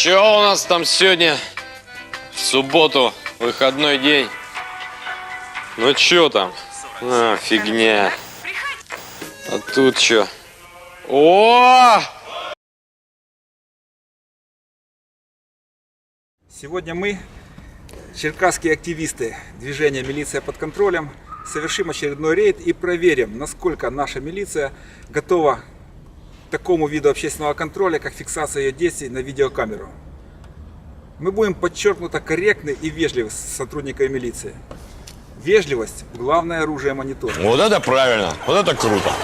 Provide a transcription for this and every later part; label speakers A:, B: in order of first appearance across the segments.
A: Чё у нас там сегодня? В субботу, выходной день. Ну чё там? А, фигня. А тут чё? О!
B: Сегодня мы, черкасские активисты движения «Милиция под контролем», совершим очередной рейд и проверим, насколько наша милиция готова к такому виду общественного контроля, как фиксация ее действий на видеокамеру. Мы будем подчеркнуто корректны и вежливы с сотрудниками милиции. Вежливость – главное оружие монитора.
A: Вот это правильно, вот это круто.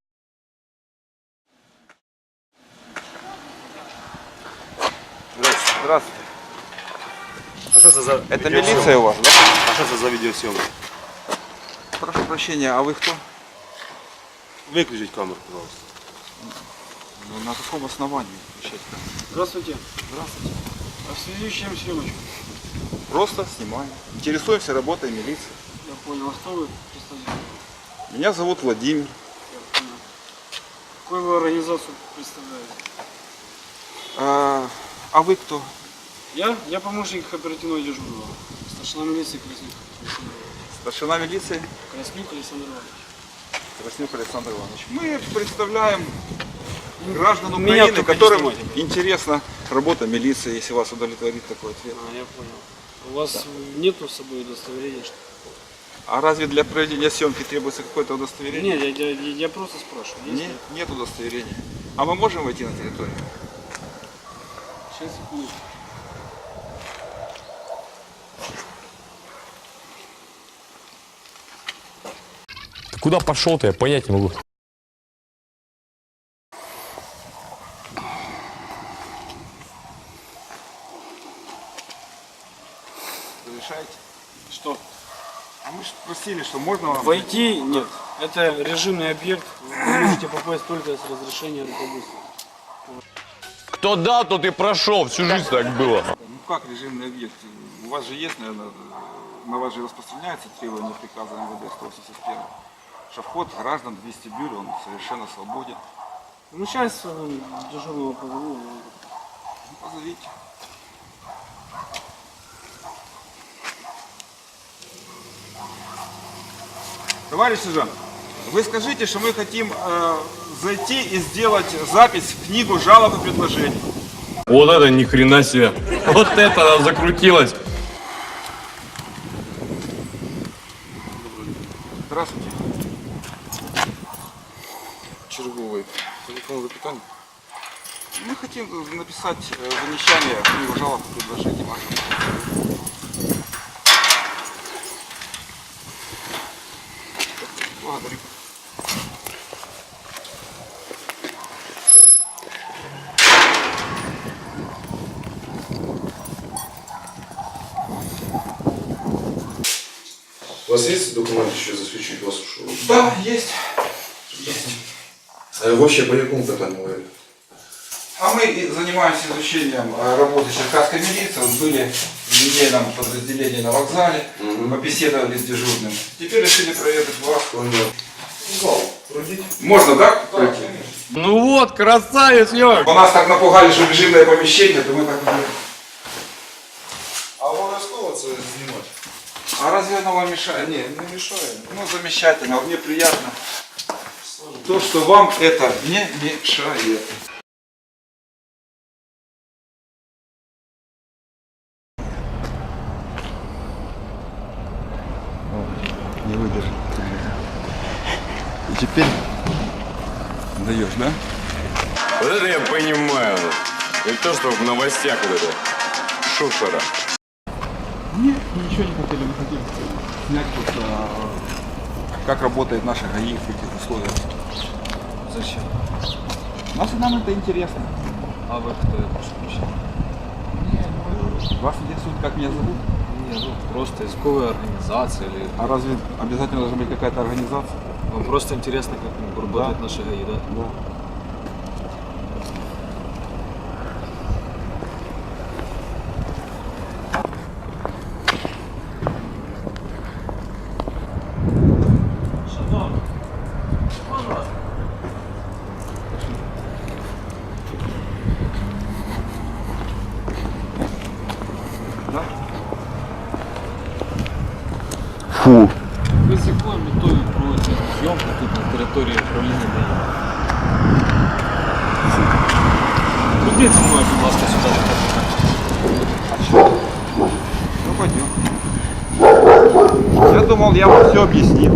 B: Здравствуйте.
C: А что это за
B: Это милиция у вас, да?
C: А что это за видеосъемка?
B: Прошу прощения, а вы кто?
C: Выключить камеру, пожалуйста.
B: Ну, на каком основании?
D: Здравствуйте.
B: Здравствуйте.
D: А в связи с чем съемочка?
B: Просто снимаем. Интересуемся работой милиции.
D: Я понял. А кто вы? Представьте.
B: Меня зовут Владимир.
D: Я понял. Какую вы организацию представляете?
B: А вы кто?
D: Я помощник оперативного дежурного. Старшина милиции Краснюк.
B: Старшина милиции
D: Краснюк Александр Иванович.
B: Краснюк Александр Иванович. Мы представляем граждан
D: Меня
B: Украины,
D: только
B: которым
D: не снимайте.
B: интересна работа милиции, если вас удовлетворит такой ответ.
D: А, я понял. У вас нету с собой удостоверения? Что?
B: А разве для проведения съемки требуется какое-то удостоверение?
D: Нет, я просто спрашиваю. Есть ли?
B: Нет удостоверения. А мы можем войти на территорию?
D: Сейчас, секундочку.
A: Куда пошел-то, я понять не могу.
B: Разрешаете?
D: Что?
B: А мы же просили, что можно вам...
D: Войти нет. Это режимный объект. Вы можете попасть только с разрешения руководства.
A: Кто дал, тот и прошел. Всю жизнь так было.
B: Ну как режимный объект? У вас же есть, наверное, на вас же распространяется требование приказа МВД 181, что вход граждан в вестибюль, он совершенно свободен.
D: Ну сейчас дежурного позову.
B: Ну, позовите. Товарищ сержант, вы скажите, что мы хотим зайти и сделать запись в книгу жалоб и предложений.
A: Вот это ни хрена себе. Вот это она закрутилась.
B: Здравствуйте. Черговый телефон запитания. Мы хотим написать замечание в книгу жалоб и предложений вашего. Благодарю.
E: У вас есть документы еще засвідчують вас, що?
B: Да, есть.
E: Вообще по якому питанню говорили?
B: А мы и занимаемся изучением работы черкасской милиции. Вот были в недельном подразделении на вокзале, побеседовали с дежурным. Теперь решили проверить вас.
E: Зал, пройдіть.
B: Можно, да? Пройти?
A: Ну вот, красавец, Йорк.
B: У нас так напугали, что режимное помещение, то мы так уже...
E: А обов'язково це знімати?
B: А разве оно вам мешает?
E: Ні, не мішає.
B: Ну, замечательно, вот мне приятно. То, что вам это не мешает. Не выдержит. И теперь даешь, да?
A: Вот это я понимаю. И то, что в новостях вот это. Шушера.
B: Нет, ничего не хотели, мы хотели снять вот, как работает наша ГАИ в этих условиях.
D: Зачем?
B: Нам это интересно.
D: А вы кто? Я прошу прощения.
B: Вас интересует, как меня зовут?
D: Нет, ну просто языковая организация или...
B: А разве обязательно должна быть какая-то организация?
D: Вам просто интересно, как работает наша ГАИ, да?
B: Да.
F: Ви з якою метою проводите зйомку тут на території управління ДАІ? Прийдіть зі мною, будь ласка, сюди.
B: Ну пойдем. Я думал, я вам все объяснил.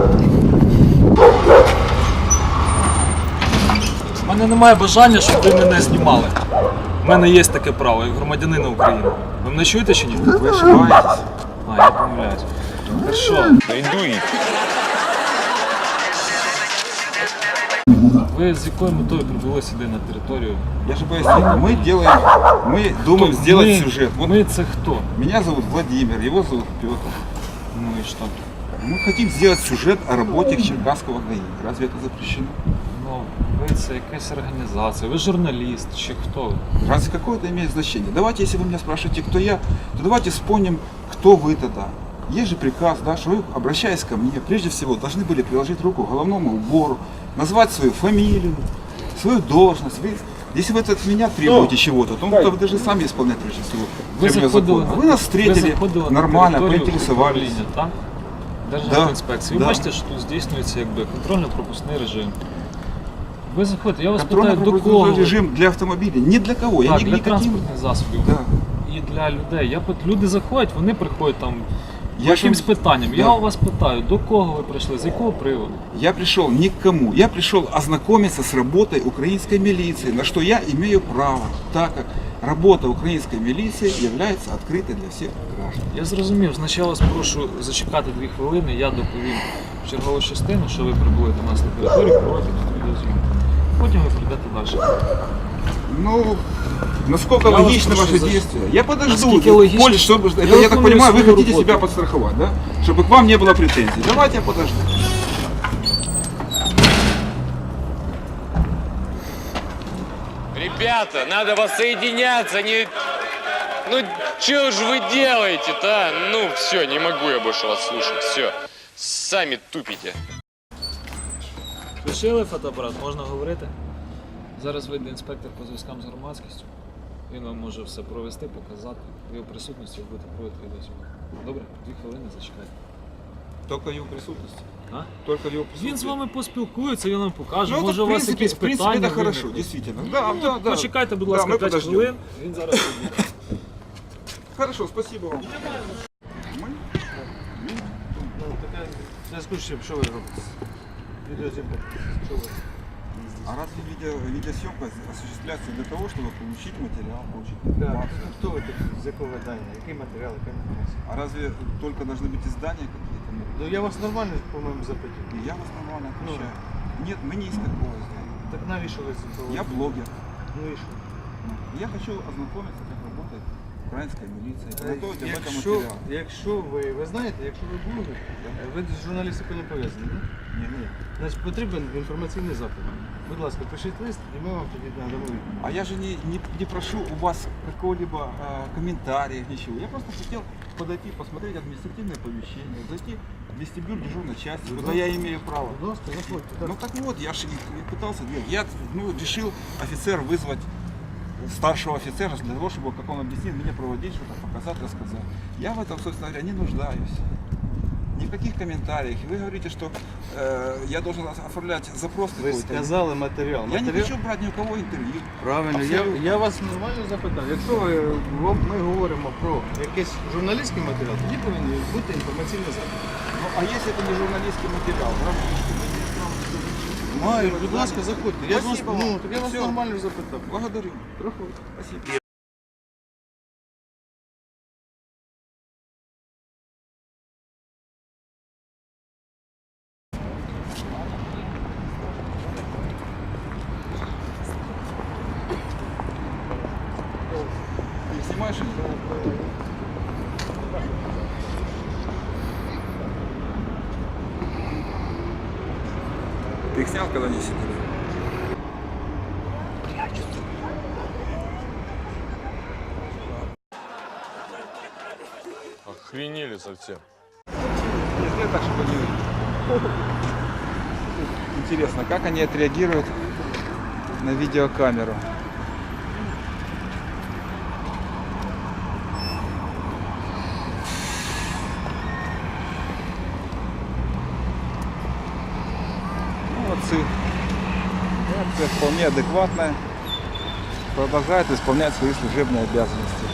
F: У мене немає бажання, щоб ви мене знімали. У мене є таке право, як громадянина України. Ви мене чуєте чи ні?
B: Вы ошибаетесь.
F: А, я помиляюсь. Хорошо. Ви з якою метою прибули сюди на територію?
B: Я же пояснил, мы думаем сделать
F: Ми-
B: сюжет. Вот
F: Ми це хто?
B: меня зовут Владимир, его зовут Петр.
F: Ну і що?
B: Мы хотим сделать сюжет о работе Черкасского ГАИ. Разве это запрещено?
F: Ну, ви це якась організація, ви журналіст чи хто ви?
B: Разве какое это имеет значение? Давайте, если вы меня спрашиваете, кто я, то давайте вспомним, кто вы тогда. Есть же приказ, да, что вы, обращаясь ко мне, прежде всего должны были приложить руку к головному убору, назвать свою фамилию, свою должность. Вы, если вы от меня требуете чего-то, то вы должны сами исполнять прежде всего.
F: Ви
B: требования
F: заходили,
B: закона. Вы нас встретили
F: заходили
B: нормально,
F: на територію
B: поинтересовались.
F: управління, так?
B: Да.
F: Державтоінспекції. Ви
B: Да.
F: бачите, що тут здійснюється якби контрольно-пропускний режим. Ви заходите, я вас питаю, до кого?
B: Контрольно-пропускной режим для автомобилей. Ни для кого. Я
F: Так,
B: ни
F: для
B: никаким...
F: транспортних засобів.
B: Да.
F: І для людей. Люди заходять, вони приходять там
B: Я
F: якимсь
B: ж-
F: питанням.
B: Да.
F: Я у вас питаю, до кого ви прийшли, з якого приводу?
B: Я пришел ни к кому. Я пришел ознакомиться с работой украинской милиции, на что я имею право, так как работа украинской милиции является открытой для всех граждан.
F: Я зрозумів, значить я вас прошу зачекати 2 хвилини, я доповім чергову частину, що ви прибули до нас на територію, проводите відеозйомку. Потім ви прийдете далі.
B: Ну, насколько
F: Я вас
B: логично
F: прошу
B: ваше
F: за-
B: действие? Я подожду.
F: Насколько логично?
B: Пользу, чтобы, это, я так
F: выполняю
B: понимаю, вы
F: свою
B: хотите
F: работу.
B: себя подстраховать, да? Чтобы к вам не было претензий. Давайте я подожду.
A: Ребята, надо воссоединяться, не... Ну, что же вы делаете-то, а? Ну, все, не могу я больше вас слушать, все. Сами тупите.
F: Лишили фотоапарат, можна говорити. Зараз вийде інспектор по зв'язкам з громадськістю. Він вам може все провести, показати. В його присутності ви будете проводити відеозйомку. Добре? 2 хвилини зачекайте.
B: Только в его присутствии.
F: А?
B: Только в его присутствии.
F: Він з вами поспілкується, він вам покаже.
B: Ну,
F: Може
B: это,
F: у вас якісь
B: в принципе,
F: питання
B: это хорошо,
F: виникнуть.
B: действительно. Да,
F: Ну,
B: да, да.
F: Почекайте, будь
B: Да,
F: ласка,
B: мы
F: 5
B: подождем.
F: хвилин. Він зараз прийде.
B: Хорошо, спасибо вам.
D: Зв'язку з чим, що ви робите? Відеозйомку. Що ви?
B: А разве видеосъемка осуществляется для того, чтобы получить материал, получить
D: Так,
B: информацию?
D: хто ви такі, з якого видання, який матеріал, яка інформація?
B: А разве только должны быть издания какие-то?
D: Ну я вас нормально, по-моєму, запитую.
B: Я вас нормально отвечаю. Нет, мы не из такого издания.
D: Так навіщо ви це
B: Я блогер.
D: Ну і що?
B: Я хочу ознакомиться, как работает украинская милиция, подготовить об этом
D: Якщо,
B: материал.
D: якщо ви знаєте, якщо ви блогер, ви з журналістикою не пов'язані, ні?
B: Ні.
D: Значить потрібен інформаційний запит. Будь ласка, пишіть лист і ми вам тоді надамо відповідь.
B: А я же не прошу у вас какого-либо комментария, ничего. Я просто хотел подойти, посмотреть административное помещение, зайти в вестибюль дежурной части, куда я имею право.
D: Будь ласка, заходьте. Так.
B: Ну так вот, я же и пытался делать. Я решил офицер вызвать старшего офицера для того, чтобы, как он объяснил, меня проводить, что-то показать, рассказать. Я в этом, собственно говоря, не нуждаюсь. Ни в каких комментариях. Вы говорите, что я должен оформлять запрос
D: Ви
B: какой-то.
D: сказали матеріал.
B: Я не хочу брать ни у кого интервью.
D: Правильно,
B: Абсолютно.
D: я вас нормально запитав. Якщо ми говоримо про якийсь журналістський матеріал, тоді повинен бути інформаційний запит.
B: Ну, а если это не журналистский материал,
D: Маю, будь ласка, заходьте. Я ж вас,
B: Спасибо вам.
D: ну, так я вас
B: Всё.
D: нормально запитав.
B: благодарю. Спасибо. Ты снимаешь? Ты их снял, когда они сидели?
A: Охренели совсем.
B: Если так, чтобы они... Интересно, как они отреагируют на видеокамеру? Ситуация вполне адекватная. Продолжает исполнять свои служебные обязанности.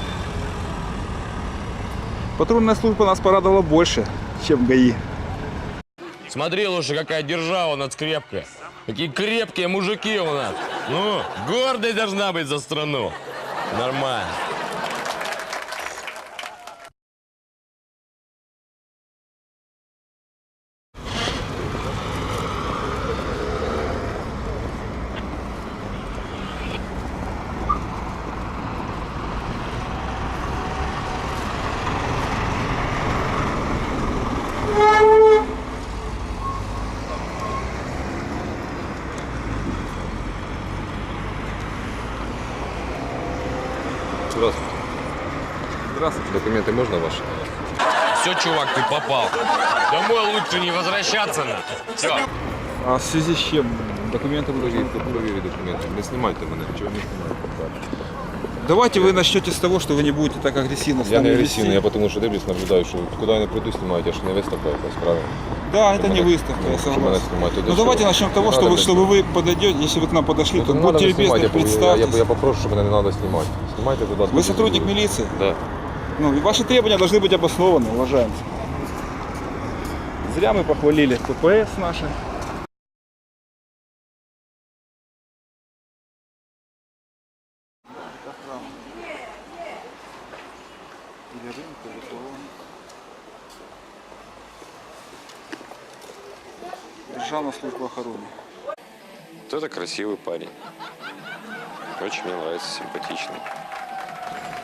B: Патрульная служба нас порадовала больше, чем ГАИ.
A: Смотри лучше, какая держава у нас крепкая. Какие крепкие мужики у нас. Ну, гордость должна быть за страну. Нормально.
G: Здравствуйте.
B: Здравствуйте.
G: Документы можно ваши?
A: Все, чувак, ты попал. Домой лучше не возвращаться надо. Все.
B: А в связи с чем документы вы должны?
G: Провери документы. Не снимайте меня, ничего не снимайте.
B: Давайте вы начнете с того, что вы не будете так агрессивно с
G: Я
B: нами
G: не
B: вести.
G: агрессивный, я потому что дивлюсь, наблюдаю, що куди я не прийду, знімають, я ж не виставка якась, правильно?
B: Да, это
G: Чтобы
B: не
G: меня-
B: выставка, я
G: чтобы меня
B: согласен.
G: снимать, это
B: Ну
G: что?
B: давайте начнем с того,
G: Не
B: что
G: надо
B: вы,
G: меня
B: чтобы вы подойдете, если вы к нам подошли,
G: Ну,
B: то
G: не надо
B: будьте
G: меня снимать,
B: любезны,
G: я
B: представьтесь.
G: попрошу, чтобы меня не надо снимать. Снимайте, будь ласка.
B: Вы сотрудник милиции?
G: Да.
B: Ну, и ваши требования должны быть обоснованы, уважаемцы. Зря мы похвалили ППС наши. Державная служба охраны.
A: Вот это красивый парень. Очень мне нравится, симпатичный.